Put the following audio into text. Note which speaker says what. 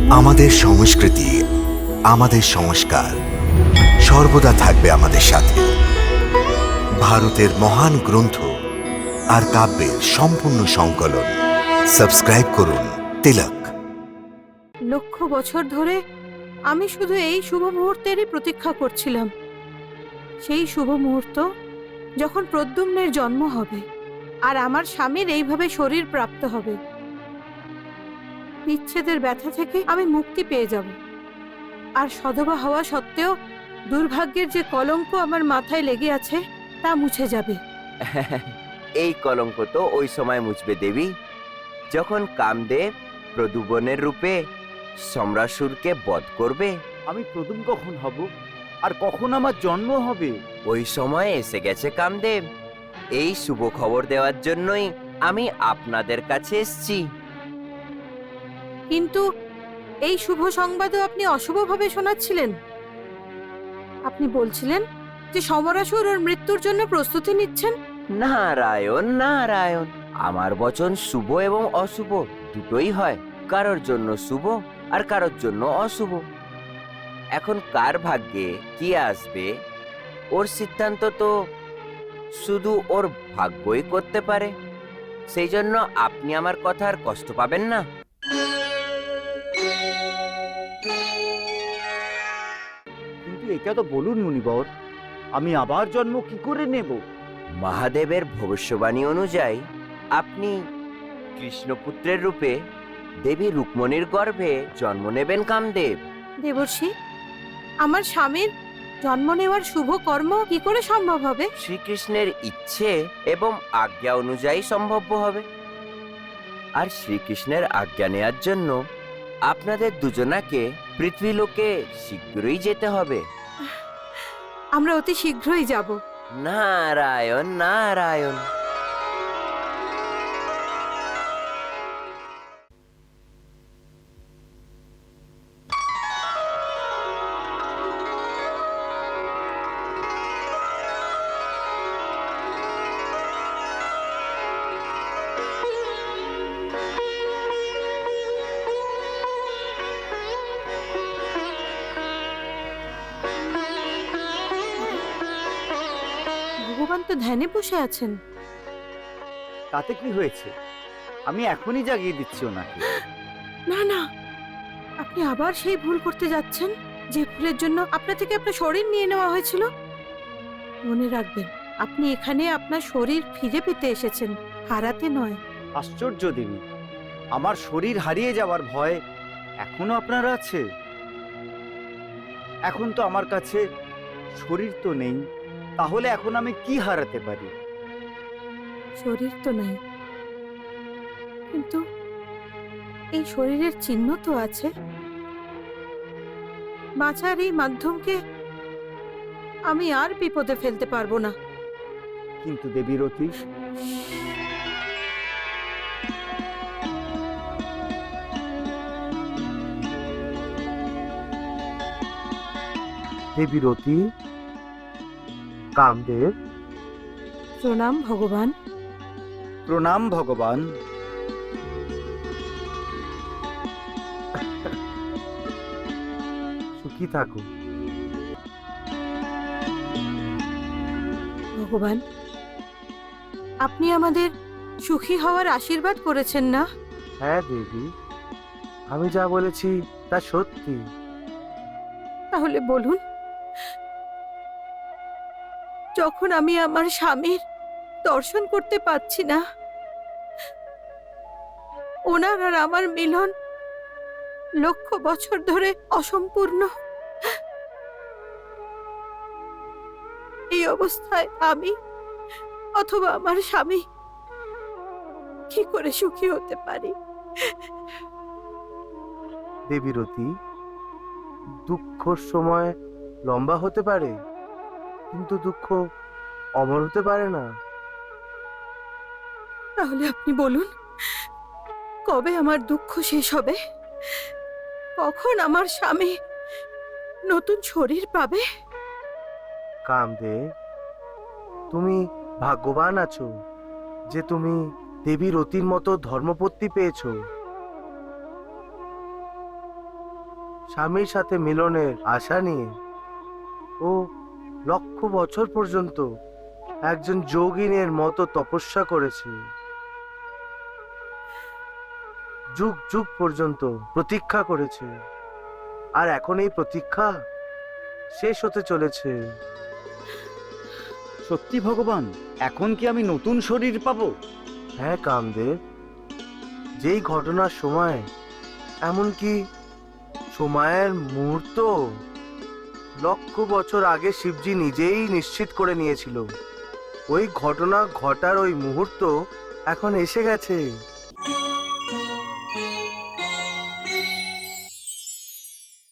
Speaker 1: আমাদের সংস্কৃতি, আমাদের সংস্কার সর্বদা থাকবে আমাদের সাথে। ভারতের মহান গ্রন্থ আর কাব্যের সম্পূর্ণ সংকলন। সাবস্ক্রাইব করুন তিলক।
Speaker 2: লক্ষ বছর ধরে আমি শুধু এই শুভ মুহূর্তেরই প্রতীক্ষা করছিলাম। সেই শুভ মুহূর্ত যখন প্রদ্যুম্নের জন্ম হবে আর আমার স্বামীর এইভাবে শরীর প্রাপ্ত হবে। বিচ্ছেদের ব্যথা থেকে আমি মুক্তি পেয়ে যাব, আর সধবা হওয়া সত্ত্বেও দুর্ভাগ্যের যে কলঙ্ক আমার মাথায় লেগে আছে তা মুছে যাবে।
Speaker 3: এই কলঙ্ক তো ওই সময় মুছবে দেবী, যখন কামদেব প্রদুবনের রূপে সম্রাসুরকে বধ করবে।
Speaker 4: আমি প্রথম কখন হব আর কখন আমার জন্ম হবে?
Speaker 3: ওই সময় এসে গেছে কামদেব। এই শুভ খবর দেওয়ার জন্যই আমি আপনাদের কাছে এসেছি।
Speaker 2: কিন্তু এই শুভ সংবাদও আপনি অশুভভাবে শোনাচ্ছিলেন। আপনি বলছিলেন যে সমরাসুর ওর মৃত্যুর জন্য প্রস্তুতি নিচ্ছেন।
Speaker 3: নারায়ণ নারায়ণ, আমার বচন শুভ এবং অশুভ দুটোই হয়। কারোর জন্য শুভ আর কারোর জন্য অশুভ। এখন কার ভাগ্যে কি আসবে ওর সিদ্ধান্ত তো শুধু ওর ভাগ্যই করতে পারে। সেই জন্য আপনি আমার কথার কষ্ট পাবেন না।
Speaker 4: কিন্তু এটা তো বলুন মুনিবর, আমি আবার জন্ম কি করে নেব?
Speaker 3: মহাদেবের ভবিষ্যবাণী অনুযায়ী আপনি কৃষ্ণপুত্রের রূপে দেবী রুক্মণীর গর্ভে জন্ম নেবেন কামদেব।
Speaker 2: দেবর্ষি, আমার স্বামীর জন্ম নেওয়ার শুভ কর্ম কি করে সম্ভব হবে?
Speaker 3: শ্রীকৃষ্ণের ইচ্ছে এবং আজ্ঞা অনুযায়ী সম্ভব হবে। আর শ্রীকৃষ্ণের আজ্ঞা নেয়ার জন্য আপনাদের দুজনাকে পৃথ্বীলোকে শীঘ্রই যেতে হবে।
Speaker 2: আমরা অতি শীঘ্রই যাব।
Speaker 3: নারায়ণ নারায়ণ।
Speaker 2: ভগবান তো ধ্যানে বসে আছেন।
Speaker 4: তাতে কি হয়েছে? আমি এখনই জাগিয়ে দিচ্ছি ওনাকে।
Speaker 2: না না, আপনি আবার সেই ভুল করতে যাচ্ছেন যে ভুলের জন্য আপনার থেকে আপনার শরীর নিয়ে নেওয়া হয়েছিল। মনে রাখবেন, আপনি এখানে আপনার শরীর ফিরে পেতে এসেছেন, হারাতে নয়।
Speaker 4: আশ্চর্য দেবী, আমার শরীর হারিয়ে যাওয়ার ভয় এখনো আপনার আছে? এখন তো আমার কাছে শরীর তো নেই, তাহলে এখন আমি কি হারাতে পারি?
Speaker 2: শরীর তো নাই, কিন্তু এই শরীরের চিহ্ন তো আছে। বাঁচার এই মাধ্যমকে আমি আর বিপদে ফেলতে পারবো না।
Speaker 4: কিন্তু দেবীরতি,
Speaker 5: দেবীরতি, কামদেব,
Speaker 2: প্রণাম ভগবান।
Speaker 4: প্রণাম ভগবান।
Speaker 5: সুখী থাকো।
Speaker 2: ভগবান, আপনি আমাদের সুখী হওয়ার আশীর্বাদ করেছেন না?
Speaker 5: হ্যাঁ দেবী, আমি যা বলেছি তা সত্যি।
Speaker 2: তাহলে বলুন, যখন আমি আমার স্বামীর দর্শন করতে পাচ্ছি না, ওনার আর আমার মিলন লক্ষ বছর ধরে অসম্পূর্ণ, এই অবস্থায় আমি অথবা আমার স্বামী কি করে সুখী হতে পারি?
Speaker 5: দেবীরতি, দুঃখর সময় লম্বা হতে পারে, কিন্তু দুঃখ অমর হতে পারে না।
Speaker 2: তাহলে আপনি বলুন, কবে আমার দুঃখ শেষ হবে? কখন আমার স্বামী নতুন শরীর পাবে?
Speaker 5: কামদেব, তুমি ভাগ্যবান আছো যে তুমি দেবীরতির মতো ধর্মপত্নী পেয়েছো। স্বামীর সাথে মিলনের আশা নিয়ে ও লক্ষ বছর পর্যন্ত একজন যোগিনের মতো তপস্যা করেছে। যুগ যুগ পর্যন্ত প্রতীক্ষা করেছে, আর এখন এই প্রতীক্ষা শেষ হতে চলেছে।
Speaker 4: সত্যি ভগবান, এখন কি আমি নতুন শরীর পাবো?
Speaker 5: হ্যাঁ কামদেব, যেই ঘটনার সময়, এমনকি সময়ের মুহূর্ত লক্ষ বছর আগে শিবজি নিজেই নিশ্চিত করে নিয়েছিল, ওই ঘটনা ঘটার ওই মুহূর্ত এখন এসে গেছে।